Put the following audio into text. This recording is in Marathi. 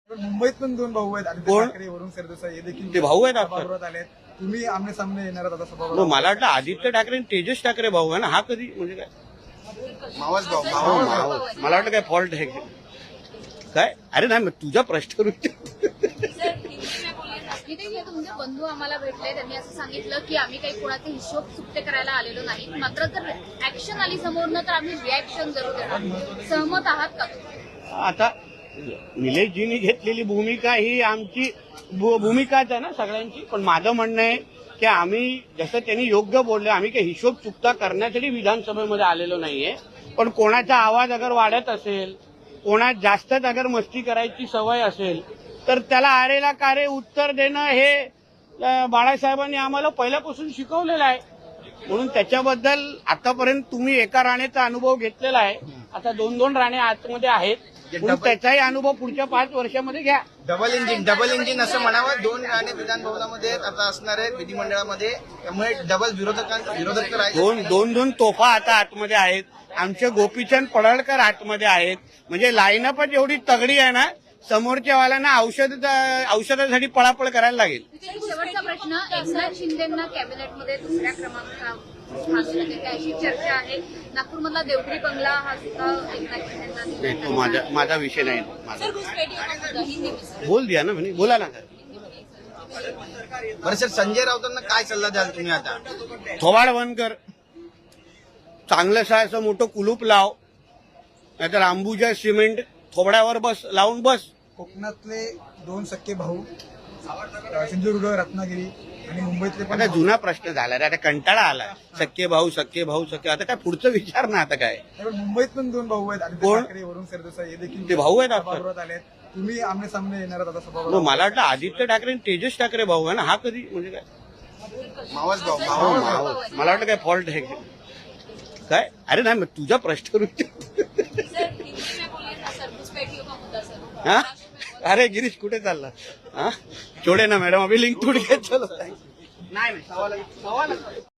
मुंबईत पण दोन भाऊ आहेत, आदित्य कोण? ठाकरे वरुण सरदेसाई हे देखील ते भाऊ आहेत आपले? सभागृहात आलेत. तुम्ही आमने सामने येणार आहात आता मग सभागृहात. मला वाटलं आदित्य ठाकरे आणि तेजस ठाकरे भाऊ आहे ना, हा कधी म्हणजे काय मावस भाऊ मला वाटलं काय फॉल्ट आहे काय? अरे नाही, मग तुझा प्रश्न इथे जे तुमचे बंधू आम्हाला भेटले त्यांनी असं सांगितलं की आम्ही काही कोणाचे हिशोब चुकते करायला आलेलो नाही, मात्र जर ऍक्शन आली समोरनं तर आम्ही रिॲक्शन जरूर देणार. सहमत आहात का तुम्ही? आता निलेशजींनी घेतलेली भूमिका ही आमची भूमिकाच आहे ना सगळ्यांची. पण माझं म्हणणं आहे की आम्ही जसं त्यांनी योग्य बोलले, आम्ही काही हिशोब चुकता करण्यासाठी विधानसभेमध्ये आलेलो नाहीये. पण कोणाचा आवाज अगर वाढत असेल, कोणात जास्तच अगर मस्ती करायची सवय असेल तर त्याला आरेला कारे उत्तर देणं हे बाळासाहेबांनी आम्हाला पहिल्यापासून शिकवलेलं आहे. म्हणून त्याच्याबद्दल आतापर्यंत तुम्ही एका राणेचा अनुभव घेतलेला आहे. आता 2-2 राणे आतमध्ये आहेत. म्हणून त्याचाही अनुभव पुढच्या 5 वर्षामध्ये घ्या. डबल इंजिन असं म्हणावं. 2 राणे विधान भवनामध्ये आता असणार आहेत विधिमंडळामध्ये, त्यामुळे डबल विरोधक तर आहेत. दोन तोफा आता आतमध्ये आहेत. आमचे गोपीचंद पडळकर आतमध्ये आहेत. म्हणजे लाईनअपच एवढी तगडी आहे ना, समोरच्या वाल्यांना औषधासाठी पळापळ करायला लागेल. शेवटचा प्रश्न, एकनाथ शिंदेंना कॅबिनेटमध्ये दुसऱ्या क्रमांकावर अशी चर्चा आहे. नागपूरमधला देवगिरी बंगला हा सुद्धा एकनाथ शिंदेंना नाही, तो माझा विषय नाही. माझा बोल दिया ना म्हणे, बोला ना. बरं सर, संजय राऊतांना काय सल्ला द्याल तुम्ही आता? थोबाड बंद कर, चांगलंसं असं मोठं कुलूप लाव, नाहीतर अंबुजा सिमेंट थोबड्यावर बस लावून बस. कोकणातले 2 सख्खे भाऊ, सिंधुदुर्ग, रत्नागिरी आणि मुंबईतले पण आता जुना प्रश्न झाला रे, आता कंटाळा आला. सख्खे भाऊ. आता काय पुढचं विचार ना आता काय. पण मुंबईत पण 2 भाऊ आहेत, आदित्य कोण? ठाकरे वरुण सरदेसाई हे देखील ते भाऊ आहेत आपले? सभागृहात आलेत. तुम्ही आमने सामने येणार आहात आता मग सभागृहात. मला वाटलं आदित्य ठाकरे आणि तेजस ठाकरे भाऊ आहे ना, हा कधी म्हणजे काय मावस भाऊ मला वाटलं काय फॉल्ट आहे काय? अरे नाही, मग तुझा प्रश्न हा? अरे गिरीश कुठे चालला? हा, छोडे ना मॅडम, अभी लिंक तुड घेत चलो. नाही